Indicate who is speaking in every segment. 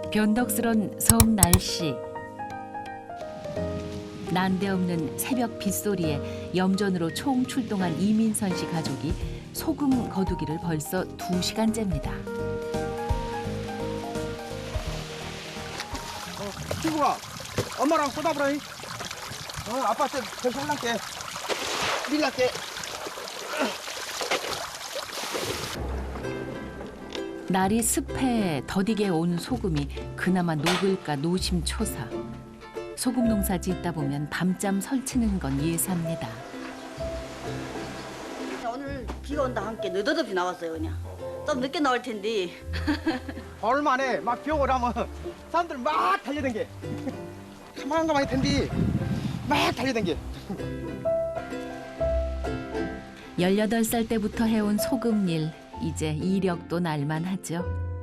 Speaker 1: 변덕스런 섬 날씨. 난데없는 새벽 빗소리에 염전으로 총 출동한 이민선 씨 가족이 소금 거두기를 벌써 2시간째입니다.
Speaker 2: 친구가 엄마랑 쏟아버려. 아빠한테 더 혼날게. 밀날게.
Speaker 1: 날이 습해 더디게 온 소금이 그나마 녹을까 노심초사. 소금 농사 짓다 보면 밤잠 설치는 건 예사입니다.
Speaker 3: 오늘 비가 온다 함께 느닷없이 나왔어요 그냥. 좀 늦게 나올 텐데.
Speaker 2: 얼마네 막 비 오고 나면 사람들 막 달려댕겨. 가만한 가만히 텐디 막 달려댕겨.
Speaker 1: 18살 때부터 해온 소금일, 이제 이력도 날만하죠.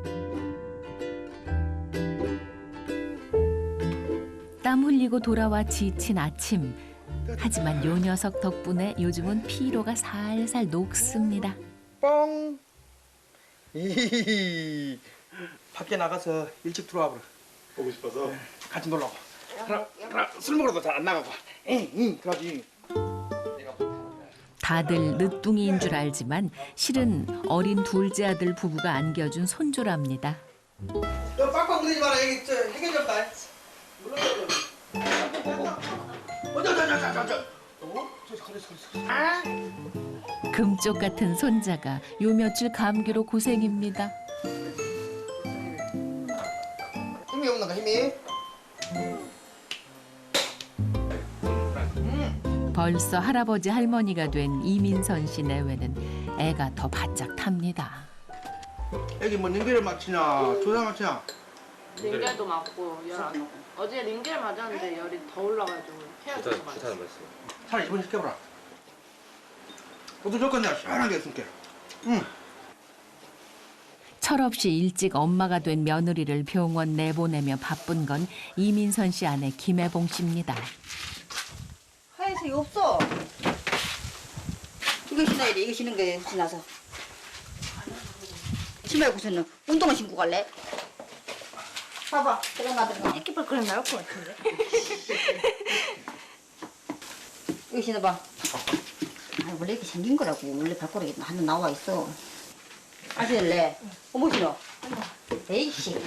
Speaker 1: 땀 흘리고 돌아와 지친 아침. 하지만 요 녀석 덕분에 요즘은 피로가 살살 녹습니다.
Speaker 2: 뻥. 이 밖에 나가서 일찍 들어와 버려.
Speaker 4: 보고 싶어서.
Speaker 2: 같이 놀라고. 술 먹으러도 잘 안 나가고. 응, 그러지.
Speaker 1: 다들 늦둥이인 줄 알지만 실은 어린 둘째 아들 부부가 안겨준 손주랍니다.
Speaker 2: 너 빡빡 부리지 마라. 여기 저 해결 좀 다.
Speaker 1: 금쪽 같은 손자가 요 며칠 감기로 고생입니다.
Speaker 2: 힘이 없는가 힘이?
Speaker 1: 벌써 할아버지 할머니가 된 이민선 씨 내외는 애가 더 바짝 탑니다.
Speaker 2: 애기 뭐 링겔을 맞히냐 조사 맞히냐?
Speaker 5: 링겔도 맞고 열 안 오고. 어제 링겔 맞았는데 열이 더 올라가지고 해야 될것 같아요.
Speaker 2: 차라리 입원 시켜보라. 너도 조건 내가 시원하게 해줄게. 응.
Speaker 1: 철없이 일찍 엄마가 된 며느리를 병원 내보내며 바쁜 건 이민선 씨 아내 김혜봉 씨입니다.
Speaker 3: 하얀색이 없어. 이거 신어야 돼. 이거 신는 게 지나서. 치마 입고서는 운동화 신고 갈래? 봐봐. 그런 아들은 애기발 그냥 나올 것 같은데. 이거 신어봐. 아, 원래 이렇게 생긴 거라고. 원래 발가락이 하나 나와 있어. 아실래? 어머 신어. 에이씨.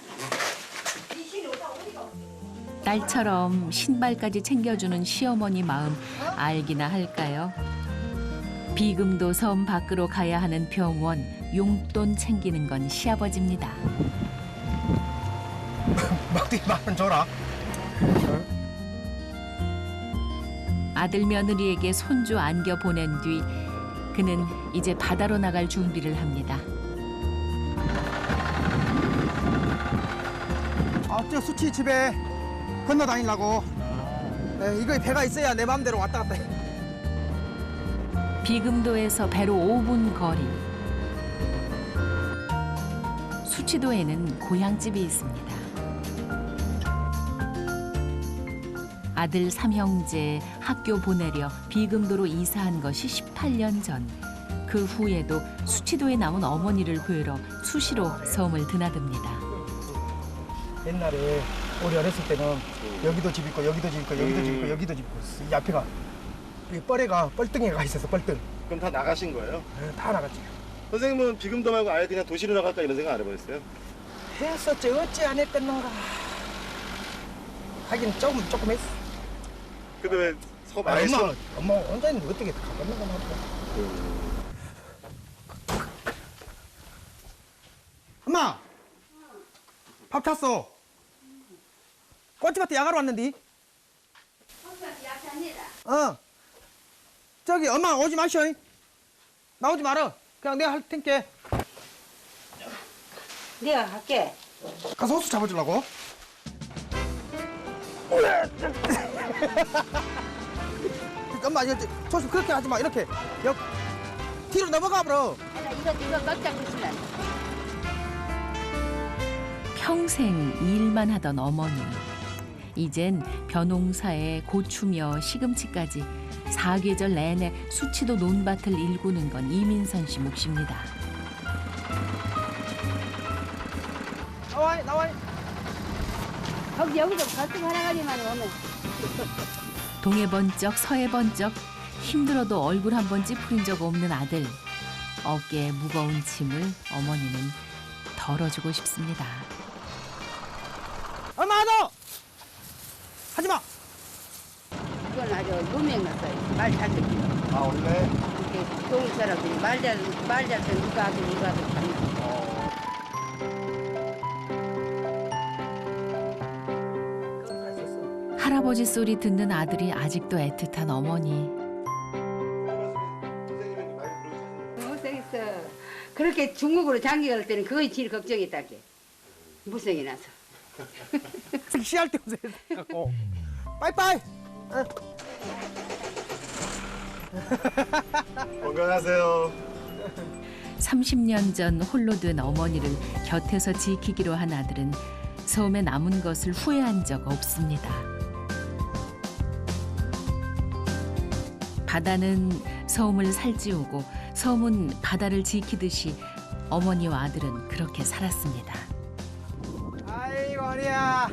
Speaker 1: 딸처럼 신발까지 챙겨주는 시어머니 마음 알기나 할까요? 비금도 섬 밖으로 가야 하는 병원, 용돈 챙기는 건 시아버지입니다.
Speaker 2: 막대기 만원 줘라.
Speaker 1: 아들 며느리에게 손주 안겨 보낸 뒤 그는 이제 바다로 나갈 준비를 합니다.
Speaker 2: 저 수치 집에 건너 다니려고. 이거 배가 있어야 내 마음대로 왔다 갔다 해.
Speaker 1: 비금도에서 배로 5분 거리. 수치도에는 고향집이 있습니다. 아들 3형제 학교 보내려 비금도로 이사한 것이 18년 전. 그 후에도 수치도에 남은 어머니를 구하러 수시로 섬을 드나듭니다.
Speaker 2: 옛날에 우리 어렸을 때는 여기도 집 있고 여기도 집 있고 여기도 집 있고 여기도 집 있고 이 앞에가 이 뻘에가 뻘등에가 있어서 뻘등.
Speaker 4: 그럼 다 나가신 거예요?
Speaker 2: 다 나갔지.
Speaker 4: 선생님은 비금도 말고 아예 그냥 도시로 나갈까 이런 생각 안 해보셨어요?
Speaker 2: 했었지 어찌 안 했겠는가. 하긴 조금 했어.
Speaker 4: 근데 왜 섬 아예
Speaker 2: 엄마 혼자는 어떻게 가봤는가 말이야. 엄마 밥 탔어. 꽃집한테 야가로 왔는데.
Speaker 3: 꽃집한테 약합니다.
Speaker 2: 저기 엄마 오지 마셔. 나오지 마라. 그냥 내가 할 테니까.
Speaker 3: 내가 갈게.
Speaker 2: 가서 호수 잡아주려고. 엄마 이거 조심 그렇게 하지 마. 이렇게 뒤로 넘어가 버려.
Speaker 3: 이거 꽉 잡고 있으라.
Speaker 1: 평생 일만 하던 어머니. 이젠 벼농사에 고추며 시금치까지 사계절 내내 수치도 논밭을 일구는 건 이민선 씨 몫입니다.
Speaker 2: 나와.
Speaker 3: 거기 여기도 갈등 하나가지만 오면
Speaker 1: 동해 번쩍 서해 번쩍 힘들어도 얼굴 한 번 찌푸린 적 없는 아들. 어깨에 무거운 짐을 어머니는 덜어주고 싶습니다.
Speaker 2: 엄마 너 하지 마.
Speaker 3: 그건 아주 무명났어요. 말 잘 듣기.
Speaker 4: 아 원래
Speaker 3: 이렇게 좋은 사람들이 말잘 듣는 누가 아들 이거 아들 다
Speaker 1: 할아버지 소리 듣는 아들이 아직도 애틋한 어머니.
Speaker 4: 선생님이 많이 부르시는
Speaker 3: 못생겼어. 그렇게 중국으로 장기 갈 때는 그거 제일 걱정했다게. 무성이 나서.
Speaker 2: 섹시할 때 웃어갖고 빠이빠이.
Speaker 4: 건강하세요.
Speaker 1: 30년 전 홀로 된 어머니를 곁에서 지키기로 한 아들은 섬에 남은 것을 후회한 적 없습니다. 바다는 섬을 살찌우고 섬은 바다를 지키듯이 어머니와 아들은 그렇게 살았습니다.
Speaker 2: 아이고 허리야.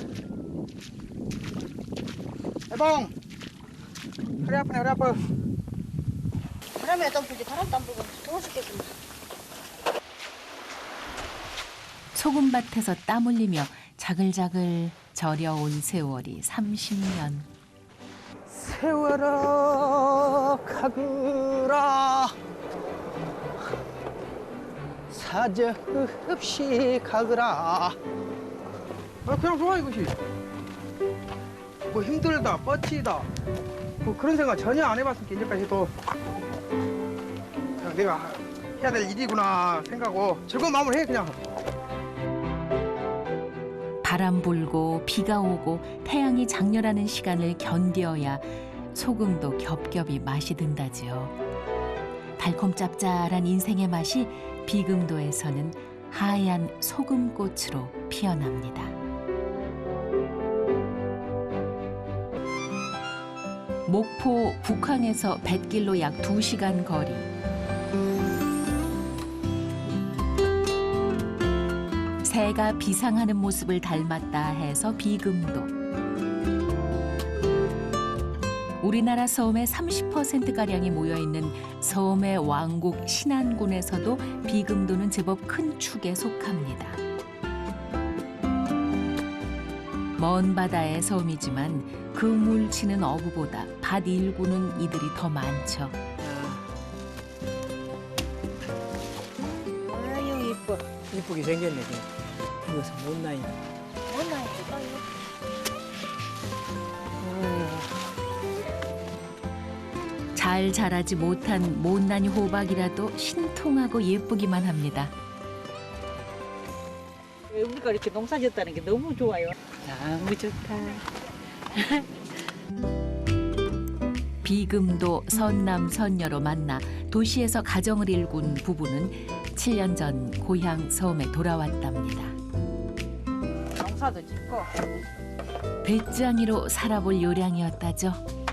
Speaker 2: 해봉. 허리 아프네 허리 아파.
Speaker 3: 바람이 안 불지 바람도 안 불고 더워 죽겠구나.
Speaker 1: 소금밭에서 땀 흘리며 자글자글 절여온 세월이 30년.
Speaker 2: 세월아 가거라 사저 없이 가거라. 그냥 좋아 이것이. 뭐 힘들다 뻗치다 뭐 그런 생각 전혀 안 해봤으니까 이제까지도 그냥 내가 해야 될 일이구나 생각하고 즐거운 마음으로 해 그냥.
Speaker 1: 바람 불고 비가 오고 태양이 장렬하는 시간을 견뎌야 소금도 겹겹이 맛이 든다지요. 달콤 짭짤한 인생의 맛이 비금도에서는 하얀 소금꽃으로 피어납니다. 목포 북항에서 뱃길로 약 2시간 거리. 새가 비상하는 모습을 닮았다 해서 비금도. 우리나라 섬의 30%가량이 모여있는 섬의 왕국 신안군에서도 비금도는 제법 큰 축에 속합니다. 먼 바다의 섬이지만 그 물치는 어부보다 밭 일구는 이들이 더 많죠.
Speaker 2: 아유 이뻐. 이쁘게 생겼네. 이것은 못나이.
Speaker 3: 못나요.
Speaker 1: 잘 자라지 못한 못난이 호박이라도 신통하고 예쁘기만 합니다.
Speaker 6: 우리가 이렇게 농사 짓다는 게 너무 좋아요. 너무 좋다.
Speaker 1: 비금도 선남 선녀로 만나 도시에서 가정을 일군 부부는 7년 전 고향 섬에 돌아왔답니다.
Speaker 6: 농사도 짓고.
Speaker 1: 배짱이로 살아볼 요량이었다죠.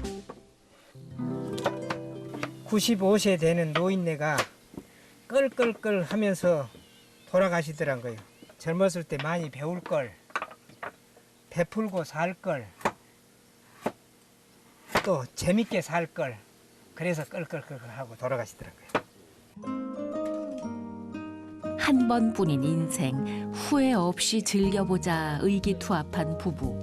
Speaker 2: 95세 되는 노인네가 끌끌끌 하면서 돌아가시더란 거예요. 젊었을 때 많이 배울 걸, 베풀고 살 걸, 또 재밌게 살 걸, 그래서 끌끌끌 하고 돌아가시더란 거예요.
Speaker 1: 한 번뿐인 인생 후회 없이 즐겨보자 의기투합한 부부.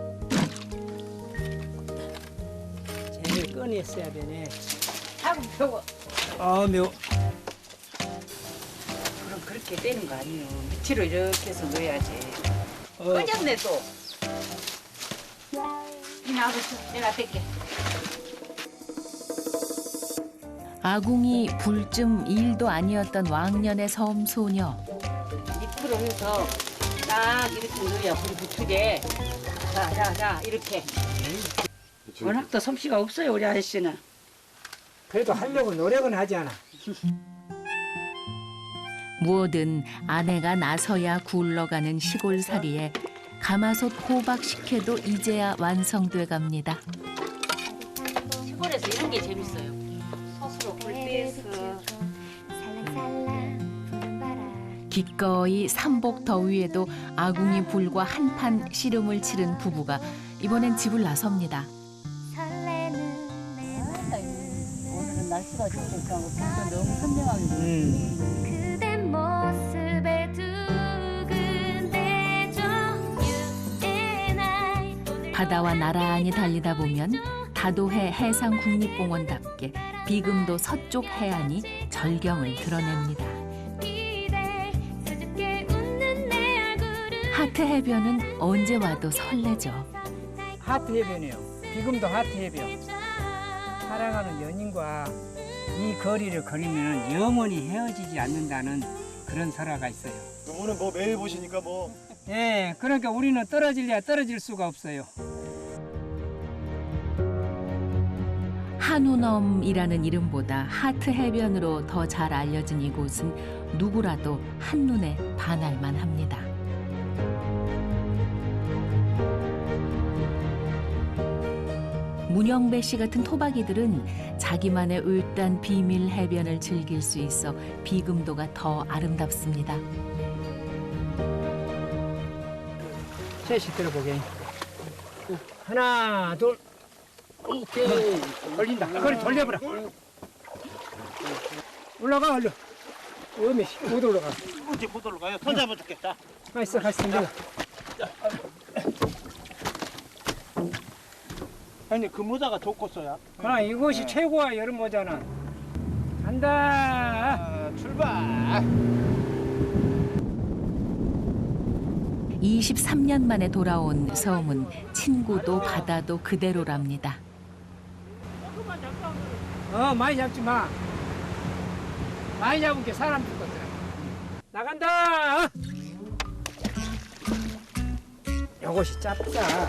Speaker 2: 재미를 꺼냈어야 되네.
Speaker 6: 하고 배워.
Speaker 2: 아 매워.
Speaker 6: 그럼 그렇게 되는 거 아니에요. 밑으로 이렇게 해서 넣어야지. 꺼졌네 또. 이 나와보세요. 내가 뺄게.
Speaker 1: 아궁이 불쯤 일도 아니었던 왕년의 섬 소녀.
Speaker 6: 밑으로 해서 딱 이렇게 넣어야 불이 붙게. 자 이렇게. 워낙 또 솜씨가 없어요 우리 아저씨는.
Speaker 2: 그래도 하려고 노력은 하지 않아.
Speaker 1: 뭐든 아내가 나서야 굴러가는 시골살이에 가마솥 호박 식혜도 이제야 완성돼 갑니다.
Speaker 6: 시골에서 이런 게 재밌어요. 스스로 불 떼서.
Speaker 7: 살랑살랑 부는 바람
Speaker 1: 기꺼이 삼복 더위에도 아궁이 불과 한판 씨름을 치른 부부가 이번엔 집을 나섭니다.
Speaker 6: 오늘은 날씨가 좋으니까 진짜 너무 선명하게
Speaker 7: 그대 모습에 두근대죠.
Speaker 1: 바다와 나란히 달리다 보면 다도해 해상국립공원답게 비금도 서쪽 해안이 절경을 드러냅니다. 하트 해변은 언제 와도 설레죠.
Speaker 2: 하트 해변이에요. 비금도 하트 해변. 사랑하는 연인과 이 거리를 걸으면 영원히 헤어지지 않는다는 그런 설화가 있어요.
Speaker 4: 오늘 뭐 매일 보시니까 뭐
Speaker 2: 예, 그러니까 우리는 떨어질래야 떨어질 수가 없어요.
Speaker 1: 한우넘이라는 이름보다 하트 해변으로 더 잘 알려진 이곳은 누구라도 한눈에 반할만 합니다. 문영배 씨 같은 토박이들은 자기만의 을단 비밀 해변을 즐길 수 있어 비금도가 더 아름답습니다.
Speaker 2: 셋이 들어보게. 하나, 둘. 오케이. 걸린다. 거리 돌려버려. 올라가, 얼른. 어메, 못 올라가.
Speaker 8: 어디 못 올라가요? 손 잡아줄게. 자.
Speaker 2: 가있어, 내려.
Speaker 8: 아니 그 모자가 좋고 써야.
Speaker 2: 이것이 최고야, 여름 모자는. 간다.
Speaker 8: 출발.
Speaker 1: 23년 만에 돌아온 섬은 친구도 바다도 그대로랍니다.
Speaker 2: 많이 잡지 마. 많이 잡은 게 사람 죽거든. 나간다. 요것이 짭짜.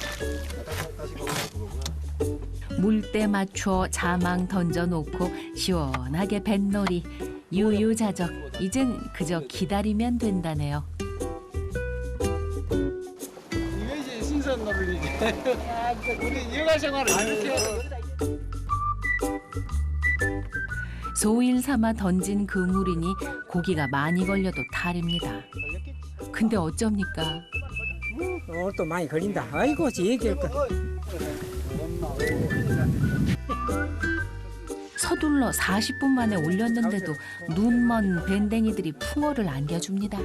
Speaker 1: 물때 맞춰 자망 던져놓고 시원하게 뱃놀이 유유자적. 이젠 그저 기다리면 된다네요.
Speaker 8: 이게 이제 신선 놀이지. 우리 여가 생활을 이렇게.
Speaker 1: 소일 삼아 던진 그물이니 고기가 많이 걸려도 탈입니다. 근데 어쩝니까?
Speaker 2: 오늘 또 많이 걸린다. 아이고, 얘기할 거.
Speaker 1: 서둘러 40분 만에 올렸는데도 눈먼 밴댕이들이 풍어를 안겨줍니다.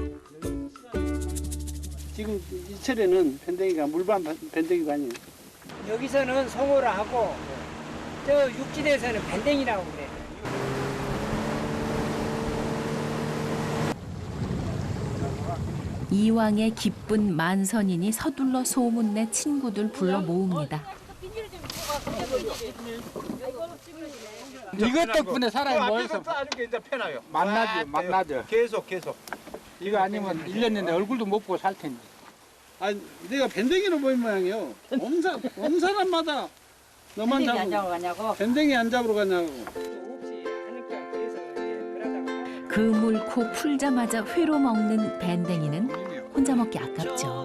Speaker 8: 지금 이철에는 밴댕이가 물반 밴댕이가 아니에요.
Speaker 2: 여기서는 송어를 하고 저 육지대에서는 밴댕이라고 그래.
Speaker 1: 이왕의 기쁜 만선이니 서둘러 소문내 친구들 불러 모읍니다.
Speaker 8: 이것 덕분에 사람이 모여서
Speaker 4: 아직도 이제 패나요.
Speaker 8: 만나죠.
Speaker 4: 계속.
Speaker 8: 이거 아니면 1년 내내 얼굴도 못 보고 살 텐데. 아니, 내가 밴댕이로 보인 모양이요. 온 사람마다 너만
Speaker 6: 밴댕이 안
Speaker 8: 잡고
Speaker 6: 잡아가냐고.
Speaker 8: 밴댕이 안 잡으러 가냐고.
Speaker 1: 그물코 풀자마자 회로 먹는 밴댕이는 혼자 먹기 아깝죠.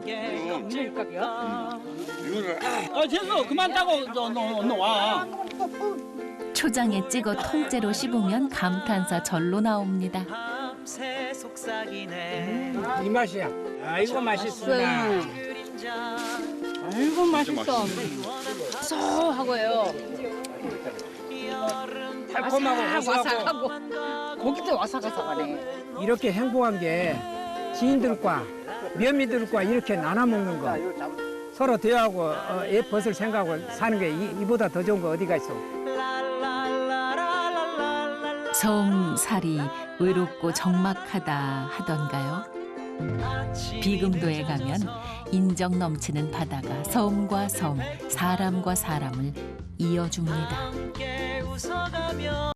Speaker 8: 됐어. 그만 따고 너 와.
Speaker 1: 초장에 찍어 통째로 씹으면 감탄사 절로 나옵니다.
Speaker 2: 이 맛이야. 아이고 맛있어.
Speaker 6: 아이고 맛있어. 쏘하고요.
Speaker 2: 달콤하고 고소하고.
Speaker 6: 고기도 와사가사가네.
Speaker 2: 이렇게 행복한 게 지인들과 며미들과 이렇게 나눠 먹는 거. 서로 대화하고 벗을 생각하고 사는 게 이보다 더 좋은 거 어디가 있어.
Speaker 1: 섬살이 외롭고 적막하다 하던가요? 비금도에 가면 인정 넘치는 바다가 섬과 섬, 사람과 사람을 이어줍니다.